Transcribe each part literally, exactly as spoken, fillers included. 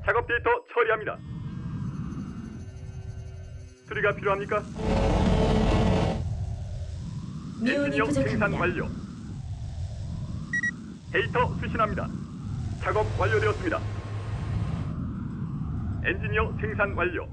작업 데이터 처리합니다. 수리가 필요합니까? 미온이 엔지니어 생산 부족합니다. 완료. 데이터 수신합니다. 작업 완료되었습니다. 엔지니어 생산 완료.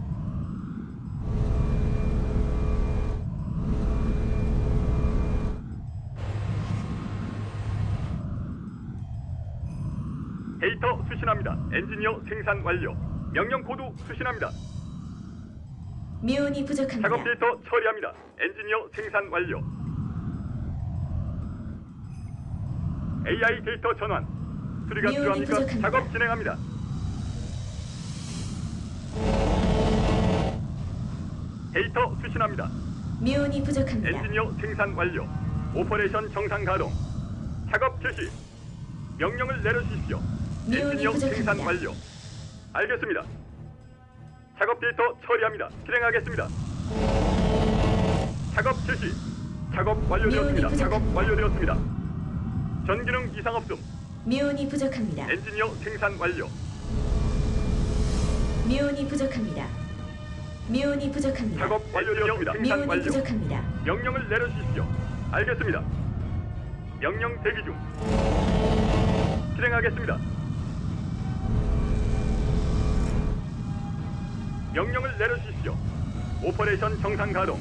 데이터 수신합니다. 엔지니어 생산 완료. 명령 코드 수신합니다. 미온이 부족합니다. 작업 데이터 처리합니다. 엔지니어 생산 완료. 에이아이 데이터 전환. 수리가 미온이 필요합니까? 부족합니다. 작업 진행합니다. 데이터 수신합니다. 미온이 부족합니다. 엔지니어 생산 완료. 오퍼레이션 정상 가동. 작업 개시. 명령을 내려주십시오. 미온이 엔지니어 생산 부족합니다. 완료. 알겠습니다. 작업 데이터 처리합니다. 실행하겠습니다. 작업 개시. 작업 완료되었습니다. 미온이 작업 부족합니다. 완료되었습니다. 전기능 이상 없음. 미온이 부족합니다. 엔지니어 생산 완료. 미온이 부족합니다. 미온이 부족합니다. 작업 완료되었습니다. 생산 미온이 완료. 부족합니다. 명령을 내려주십시오. 알겠습니다. 명령 대기 중. 실행하겠습니다. 명령을 내려주십시오. 오퍼레이션 정상 가동.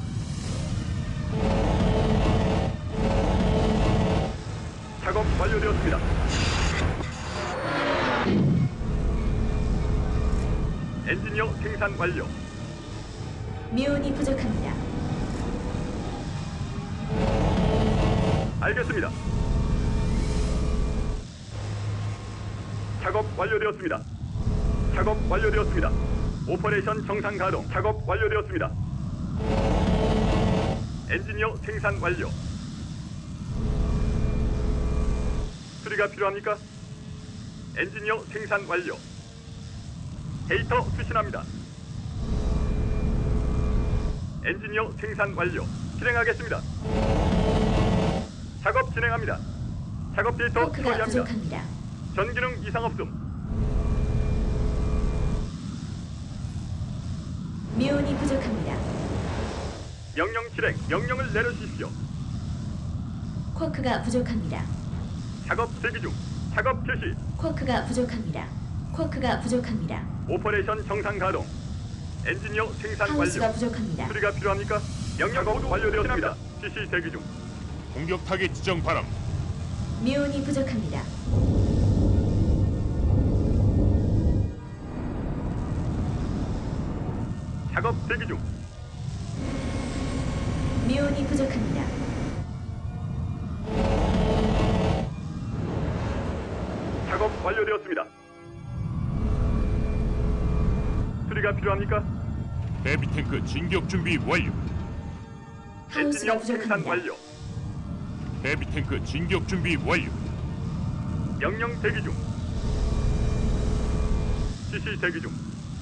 작업 완료되었습니다. 엔지니어 생산 완료. 미온이 부족합니다. 알겠습니다. 작업 완료되었습니다. 작업 완료되었습니다. 오퍼레이션 정상 가동. 작업 완료되었습니다. 엔지니어 생산 완료. 수리가 필요합니까? 엔지니어 생산 완료. 데이터 수신합니다. 엔지니어 생산 완료. 실행하겠습니다. 작업 진행합니다. 작업 데이터 쿼크가 처리합니다. 부족합니다. 전기능 이상 없음. 미온이 부족합니다. 명령 실행. 명령을 내려주십시오. 쿼크가 부족합니다. 작업 대기 중. 작업 개시. 쿼크가 부족합니다. 쿼크가 부족합니다. 오퍼레이션 정상 가동. 엔지니어 생산 하우스가 완료. 부족합니다. 수리가 필요합니까? 명령 작업 완료되었습니다. 지시 대기 중. 공격 타겟 지정 바람. 미온이 부족합니다. 작업 대기 중. 미온이 부족합니다. 작업 완료되었습니다. 수리가 필요합니까? 헤비 탱크 진격 준비 완료. 하우스가 엔지니어 생산 부족합니다. 완료. 헤비 탱크 진격 준비 완료. 명령 대기 중. 지시 대기 중.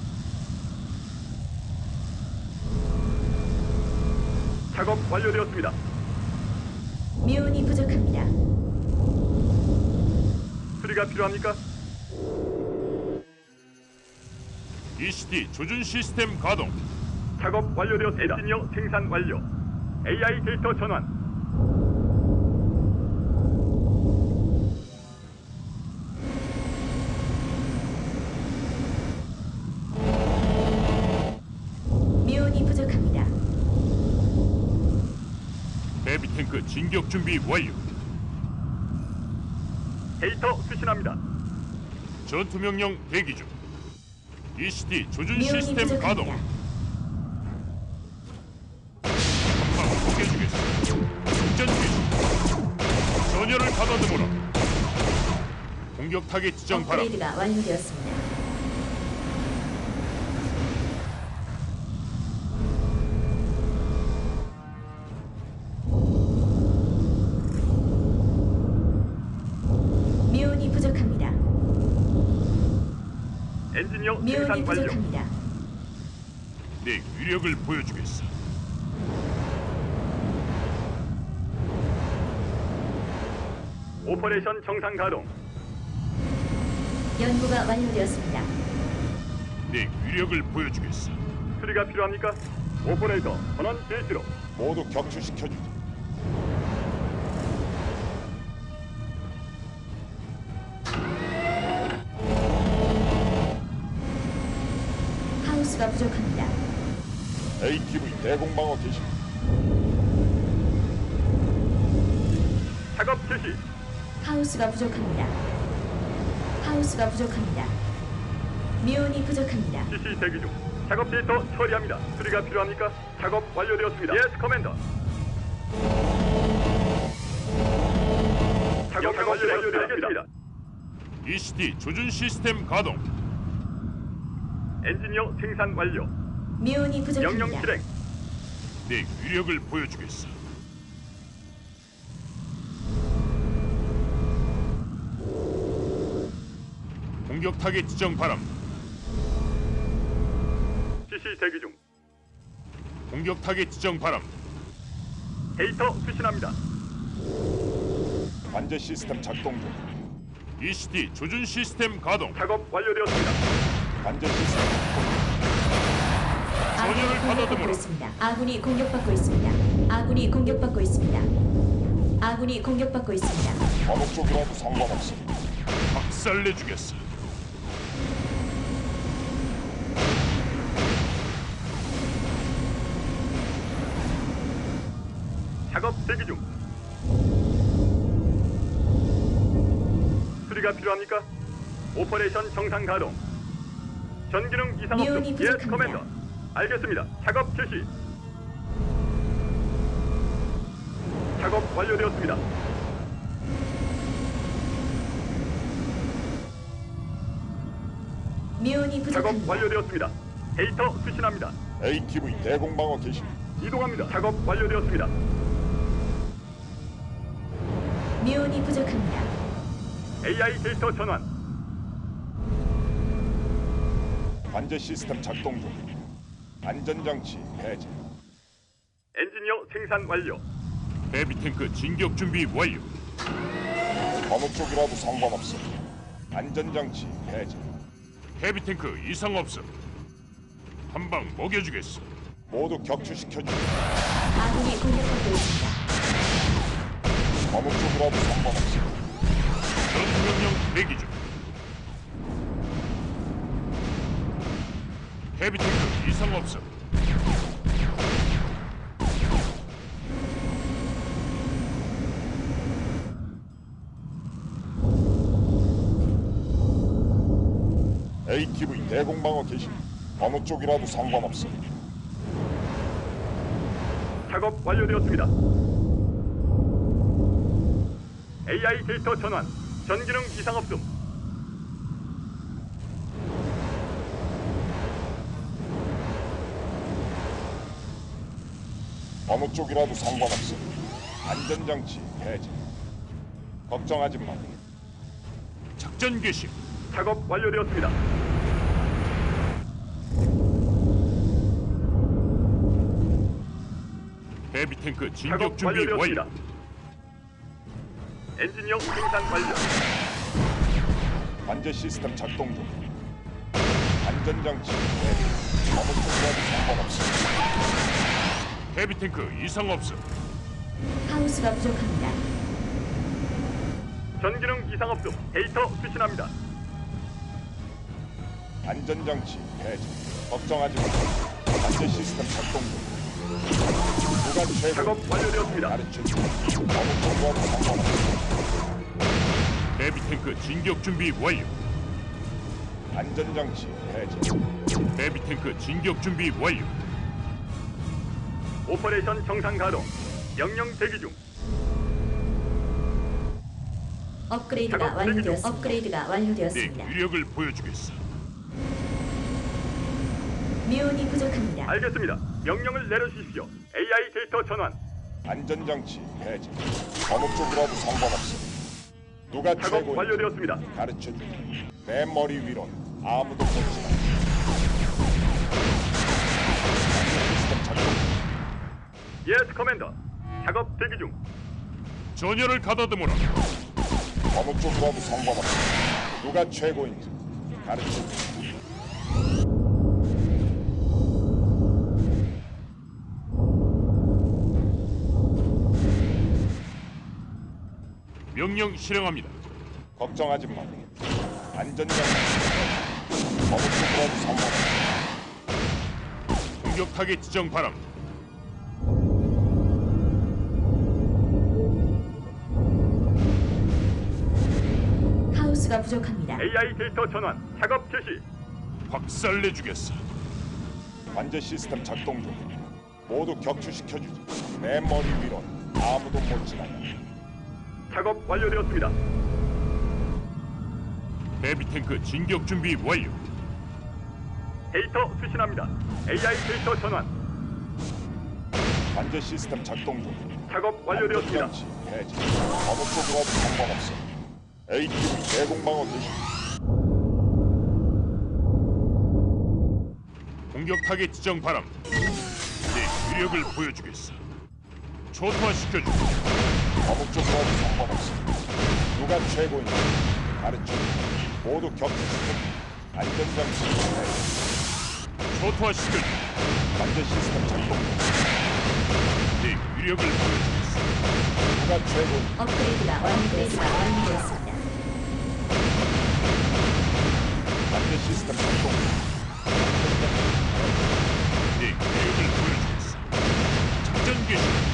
작업 완료되었습니다. 미온이 부족합니다. 수리가 필요합니까? 이씨티 조준 시스템 가동. 작업 완료되었습니다. 엔지니어 생산 완료. 에이아이 데이터 전환. 미온이 부족합니다. 헤비 탱크 진격 준비 완료. 데이터 수신합니다. 전투 명령 대기 중. 이씨티 조준 미온이 시스템 가동. 부족합니다. 한방 포개주겠어. 작전 개시. 전열을 가다듬어라. 공격 타겟 지정 바람. 업그레이드가 완료되었습니다. 미온이 부족합니다. 엔지니어 미온이 생산 완료. 부족합니다. 내 위력을 보여주겠어. 오퍼레이션 정상 가동. 연구가 완료되었습니다. 내 위력을 보여주겠어. 수리가 필요합니까? 오퍼레이터 전원 실시로. 모두 격추시켜주지. 하우스가 부족합니다. 에이티브이 대공방어 개시. 작업 실시. 하우스가 부족합니다. 하우스가 부족합니다. 미온이 부족합니다. 지시 대기 중. 작업 데이터 처리합니다. 수리가 필요합니까? 작업 완료되었습니다. 예스 커맨더. 작업 완료되었습니다. 이시티 조준 시스템 가동. 엔지니어 생산 완료. 미온이 부족합니다. 명령 실행. 내 위력을 보여주겠어. 공격 타겟 지정 바람. 지시 대기 중. 공격 타겟 지정 바람. 데이터 수신합니다. 관제 시스템 작동 중. 이시티 조준 시스템 가동. 작업 완료되었습니다. 관제 시스템 아군이 전열을 공격받고 가다듬어라. 있습니다. 아군이 공격받고 있습니다. 아군이 공격받고 있습니다. 아군이 공격받고 있습니다. 어느 쪽이라도 상관없어. 박살내주겠어. 작업 대기 중. 수리가 필요합니까? 오퍼레이션 정상 가동. 전기능 이상 없음. 미온이 예스 부족합니다. 커맨더. 알겠습니다. 작업 실시. 작업 완료되었습니다. 미온이 작업 부족합니다. 완료되었습니다. 데이터 수신합니다. 에이티브이 대공방어 개시. 이동합니다. 작업 완료되었습니다. 미온이 부족합니다. 에이아이 데이터 전환. 관제 시스템 작동 중. 안전장치 해제. 엔지니어 생산 완료. 헤비 탱크 진격 준비 완료. 어느 쪽이라도 상관없어. 안전장치 해제. 헤비 탱크 이상 없음. 한 방 먹여주겠어. 모두 격추시켜주지. 아군이 공격받고 있습니다. 어느 쪽이라도 상관없어. 전투명령 대기 중. 헤비 탱크 이상 없음. 에이티브이 대공방어 개시. 어느 쪽이라도 상관없어. 작업 완료되었습니다. 에이아이 데이터 전환. 전기능 이상 없음. 어느 쪽이라도 상관없어. 안전장치 해제. 걱정하지 마. 작전 개시. 작업 완료되었습니다. 헤비 탱크 진격 작업 준비 완료되었습니다. 완료. 엔지니어 생산 완료. 관제 시스템 작동 중. 안전장치 해제. 어느 쪽이라도 상관없어. 헤비 탱크 이상 없음. 하우스가 부족합니다. 전기능 이상 없음. 데이터 수신합니다. 안전장치 해제. 걱정하지 마. 관제 시스템 작동 중. 누가 최고? 작업 완료되었습니다. 가르쳐줘. 어느 쪽이라도 상관없어. 헤비 탱크 진격 준비 완료. 안전장치 해제. 헤비 탱크 진격 준비 완료. 오퍼레이션 정상 가동. 명령 대기 중. 업그레이드가 작업 완료되었습니다. 업그레이드가 내 완료되었습니다. 위력을 보여주겠어. 미온이 부족합니다. 알겠습니다. 명령을 내려주십시오. 에이아이 데이터 전환. 안전장치 해제. 어느 쪽이라도 상관없어. 누가 작업 최고? 완료되었습니다. 가르쳐줘. 내 머리 위론 아무도 보지 마. 시스템 작동. 예스 커맨더. 작업 대기 중. 전열을 가다듬어라. 어느 쪽이라도 상관없어. 누가 최고인지 가르쳐줘. 명령 실행합니다. 걱정하지 마. 안전장치 어느 쪽으로도 상관없어. 공격 타겟 지정 바람. 하우스가 부족합니다. 에이아이 데이터 전환 작업 개시. 확살내 주겠어. 관제 시스템 작동 중. 모두 격추시켜주지. 내 머리 위로 아무도 못 지나가. 작업 완료되었습니다. 헤비 탱크 진격 준비 완료. 데이터 수신합니다. 에이아이 데이터 전환 관제 시스템 작동 중. 작업 완료되었습니다. 안전장치 해제. 어느 쪽으로도 상관없어. 에이티브이 대공방어 개시. 공격 타겟 지정 바람. 내 위력을 보여주겠어. 초토화시켜주고. 어느 쪽으로도 상관없어. 누가 최고인지 가르쳐. 모두 격추시켜. 안전장치 해제. 초토화시켜주고. 관제 시스템 작동 중. 내 위력을 보여주겠어. 누가 최고인지 업그레이드가 완료되었습니다. 완료되었습니다. 관제 시스템 작동 중. 내 위력을 보여주겠어. 작전 개시.